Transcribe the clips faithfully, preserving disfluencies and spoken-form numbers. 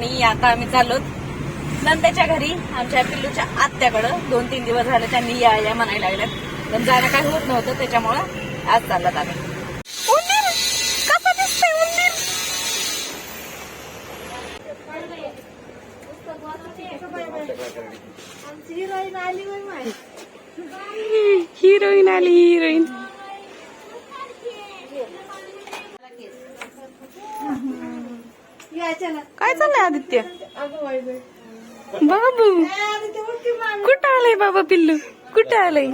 आणि आता आम्ही चाललो नंदेच्या घरी आमच्या पिल्लूच्या आत्याकडं. दोन तीन दिवस झाले त्यांनी या या म्हणायला लागल्यात, पण जाणं काही होत नव्हतं, त्याच्यामुळं आज चाललात आम्ही. उंदीर कसं दिसतंय उंदीर? हिरोईन आली बाई, हिरोईन आली हिरोईन. काय चाललंय आदित्य? बाबू कुठं आलंय बाबा पिल्लू? कुठं आलंय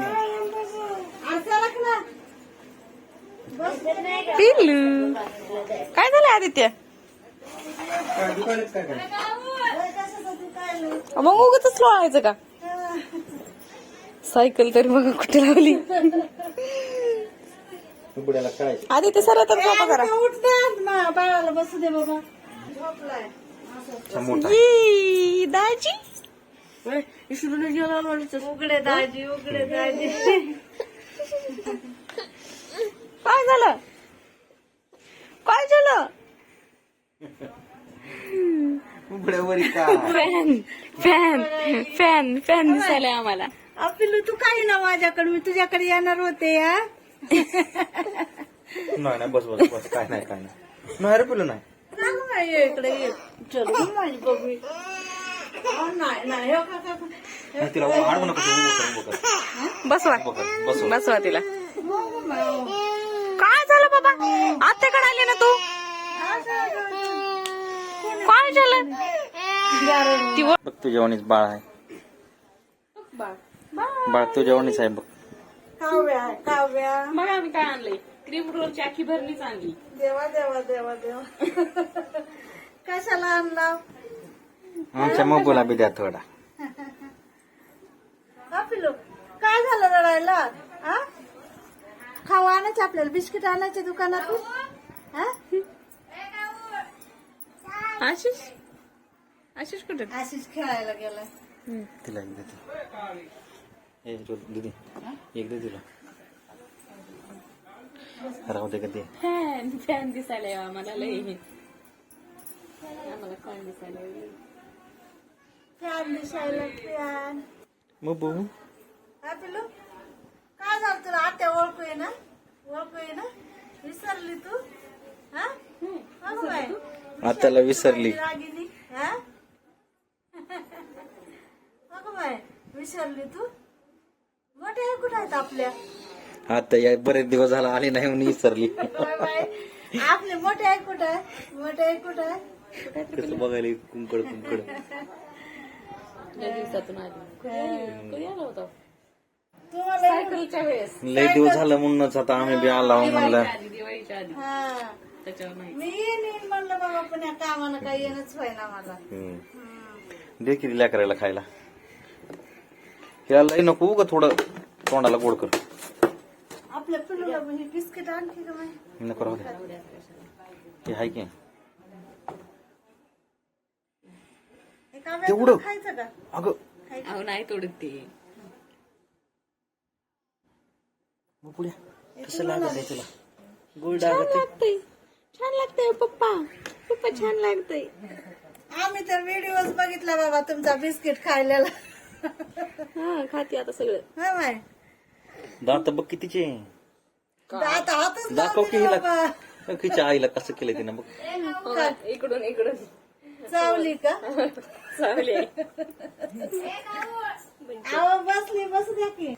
पिल्लू? काय झालंय आदित्य? मग उगाचच लोळायचं का? सायकल तरी बघा कुठे लावली. आदित्य सर तर झोपा करा. उठतात बाळाला बसू दे बाबा. झोपलाय दाजी उघडे दाजी उघडे दाजी. काय झालं? काय झालं? फॅन फॅन फॅन फॅन दिसायला आम्हाला. पिल्लू तू काय ना माझ्याकडे, मी तुझ्याकडे येणार होते. या नाही नाही बस बस बस काय नाही काय नाही नाही रे पिल्लू नाही. ये इकडे ये. चल माझी बघू. नाही नाही हो का नाही, तिला आडवू नका तू, उभं कर, उभं कर. बसवा उभं कर, बसव. बसवा तिला. काय झालं बाबा? आत्याकडे आली ना तू? काय झालं? ती व- बघ तुझ्यावानीच बाळ आहे. बाळ तुझ्यावानीच आहे बघ. काव्या काव्या बघा आम्ही काय आणलंय. क्रीम रोलची आखी भरणीच आणली. देवा देवा देवा देवा. कशाला आणला? आमच्या मोगोला बी द्या थोडा. हा पिल्लू काय झालं रडायला? हा खावा आणायचे आपल्याला, बिस्किट आणायचे दुकानातून. हा आशिष आशिष कुठे? आशिष खेळायला गेलाय. तिला एक देते. ए दीदी एक दे तिला. राहू दे का ते. फॅन फॅन दिसायला आम्हाला लय. आम्हाला फॅन दिसायला फॅन दिसायला फॅन. मग बघू हा पिल्लू काय झालं तुला? आत्या ओळखू ये ना, ओळखू ये ना. विसरली तू? हा हो बाय. आत्याला विसरली. रागिनी. हा अगं बाय विसरली तू? मोठे हे कुठे आहेत आपल्या? आता या बरेच दिवस झाला आली नाही म्हणून विसरली. Bye bye. आपले मोठे आहे कुठे आहे? मोठे आहे कुठे आहे? कसं बघायला कुंकड कुंकड. दिवसातून आली. कधी आला होता? तुम्हाला सायकलच्या वेळेस. लय दिवस झालं म्हणूनच आता आम्ही बी आला म्हणलं. आधी दिवाळीच्या आधी. हा त्याच्यावर नाही. मी येईन येईन म्हणलं बाबा, पण या कामानं काही येणंच व्हायना मला. हम्म. दे किती लेकरायला खायला. याला लय नको उगा थोडं तोंडाला गोड कर. आपल्या पिल्लूला हे बिस्किट आणखी का माहिती? नको राहू दे. हे हाय की एका तेवढं? वेळेला खायचं का? अगं अहो नाही तोडत ते. मग पुढे कसं लागत आहे तुला? गोड छान लागत लागतंय, छान लागतंय पप्पा. पप्पा छान लागतंय. आम्ही तर व्हिडिओज बघितला बाबा तुमचा बिस्किट खायलेला. हा खाते आता सगळं. हा बाय. दात बघ कितीचे. आता हातच दाखव की लावते हिला. बाबा. तिच्या आईला कसं केलं तिनं बघ. इकडून इकडून चावली का? चांगली आहे. आव बसली, बसू द्या की.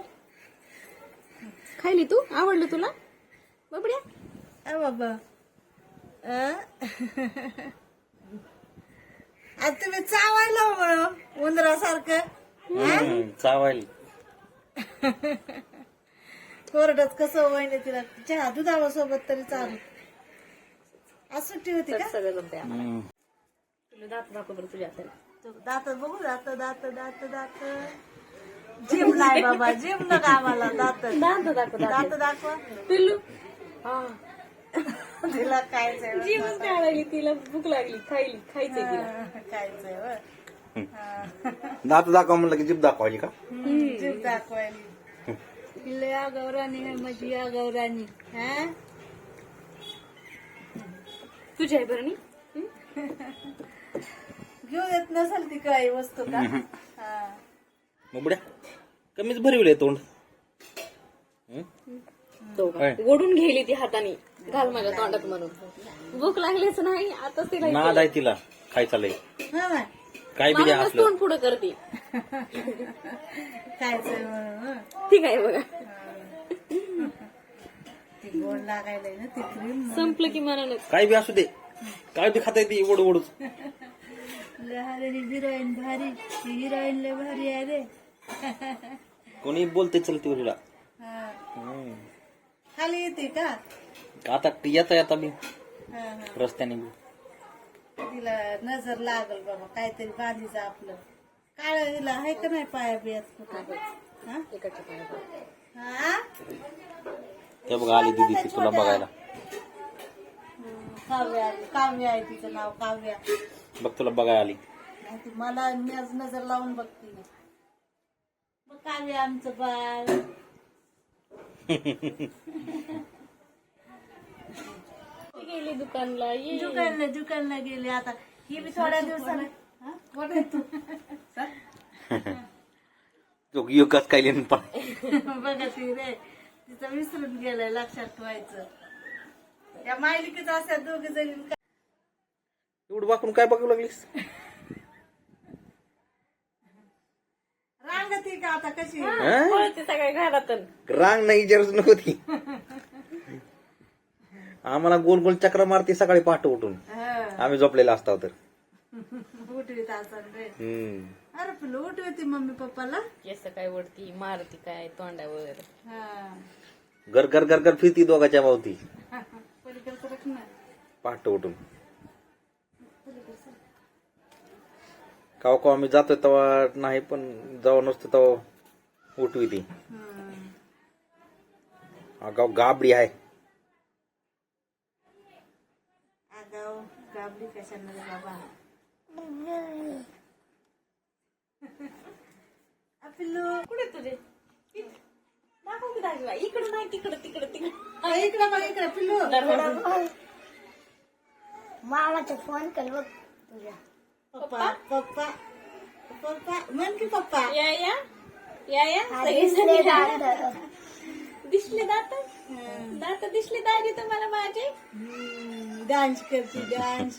खायली तू? आवडलं तुला बाबड्या? अ बाबा अं? आता तुम्ही चावायला म्हणून उंदरासारखं. हम्म, चावायला. कोरड्यात कसं वहिनी तिला चहा दुधावा सोबत तरी चालू. आज सुट्टी होती का? सगळं जमतंय. हम्म. तुला दात दाखव बरं तुझ्या हाताला. दात बघू, दात दात दात दात. जिम नाही बाबा, जिम नका आम्हाला. दात दात दाखव दात दाखवा. पिल्लू. हा तिला खायचंय बरं. जीवच काढायली, तिला भूक लागली, खायली खायचंय तिला. हा, खायचंय बरं. हा. दात दाखवा म्हणलं की जीभ दाखवायची का? जीभ दाखवायली. लया गौराणी आहे माझी, या गौराणी. हा तुझी आहे बरं नी? घेऊ देत नसेल ती काही वस्तू का हा. मग बुड्या कमीच भरविले तोंड. हं? तो का? काय? ओढून घेली ती हाताने घाल माझ्या तोंडात म्हणून. भूक लागलीच नाही आताच तिला नाद आहे तिला खायचा लय. हा ना काय बी द्या मला असलं. तोंड पुढं करते. खायचं म्हणून हं. ठीक आहे बघा. ती गोड लागायला ना ती क्रीम संपलं की मनानच. काय बी असू दे, काय बी खाता येते ओढ ओढूच. लहान हिरोईन भारी हिरोईन लय भारी आहे रे. कोणी बोलते चलते तुला. हा. हं. खाली येते का आता येता येता बी हा, हा. रस्त्याने बी तिला नजर लागल बाबा काहीतरी बांधीचं आपलं काळ हिला आहे का नाही पाया बियात कुठं हा? इकडच्या पायात. हा? ते बघा आली दिदी ती तुला बघायला. हं, काव्या आली. काव्या आहे तिचं नाव काव्या. बघ तुला बघायला आली. नाही ती मला नज- नजर लावून बघते बघ काव्या आमचं बाळ. ती गेली दुकानला. ये. दुकानला दुकानला गेले आता ही बी थोड्या दिवसाने हा? कोण आहे तू तो युकाच काय लिहिण पण बघा ती रे तिचं विसरून गेलंय लक्षात ठेवायचं. या मायलिकीच असतात दोघे जणी एवढं वाकून काय बघू लागलीस. रांगती का आता कशी हं? पळते सगळ्या घरातून. रांग नाही विचारच नको ती. आम्हाला गोल गोल चक्र मारते सकाळी पहाटे उठून. हं. आम्ही झोपलेला असतो तर. उठवीत असन रे हम्म. अरे पिल्लू उठवती मम्मी पप्पाला केस काय वडती मारती काय तोंडावर. हा. घर घर घर घर फिरती दोघाच्या मावती पलीकडचं रख ना. पहाटे उठून. काव काव आम्ही जातोय तेव्हा नाही पण जेव्हा नसतो तेव्हा उठवी ती. हं. गाव गाबडी आहे. आगाव गाबडी कशाला रे बाबा. आ, पिल्लू कुठे तुझे दाखव की दाखवा. इकडं नाही तिकडं तिकडं तिकडं. आ, इकडं बघ इकडं पिल्लू मामाचा फोन कर बघ तुझ्या. पप्पा पप्पा पप्पा म्हण की पप्पा. या या या या हा, सगळे दिसले जण या. दात. दिसले दात दात दिसले दाजी तुम्हाला माझे. डान्स करते डान्स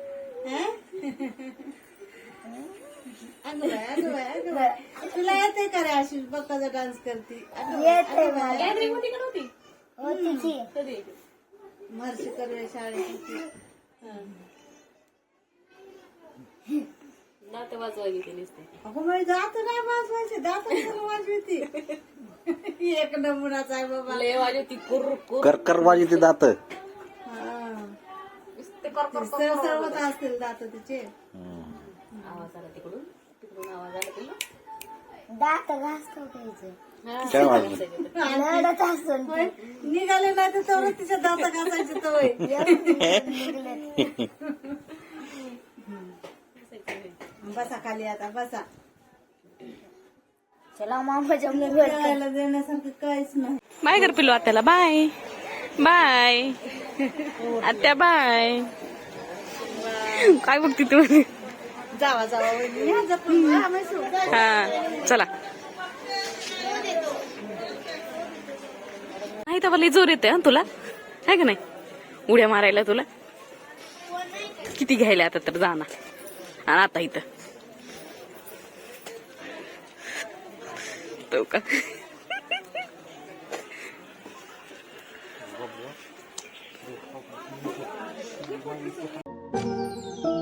अगं बाय अगं बाय अगं बाय तुला येते का रे आशिष पप्पाचा डान्स करते येते मला. गॅदरिंग होती का नव्हती. होती की. कधी महर्षी करूया शाळेत दात वाजवायची ते नुसते. अगं माझी दात नाही वाजवायचे दात वाजवती. एक नमुनाचा आहे बाबा. लय वाजवती कुर कुर. कर कर वाजी ते दात. हा. नुसते कर कर कर. सरसरवत असतील दात तिचे. आवाज आला तिकडून तिकडून आवाज आला तुला. दात घासतो घ्यायचं. हा, काय वाजलं? रडत असतो ना होय, निघाले नाही तर तेवढं तिच्या दात घासायचे तर होय. ते. बसा खाली आता बसा. चला मामाच्या मुलं खेळायला देण्यासारखं काहीच नाही. बाय कर पिल्लू आत्याला. बाय बाय आत्या बाय. काय बघती तू. जावा जावा वहिनी. या जपून. हा, म्हैसूर. जा. हा चला. नाही तर लई जोर येते तुला आहे का नाही. उड्या मारायला तुला किती घ्यायला आता तर जाणार. आणि आता इथं तो का Thank you.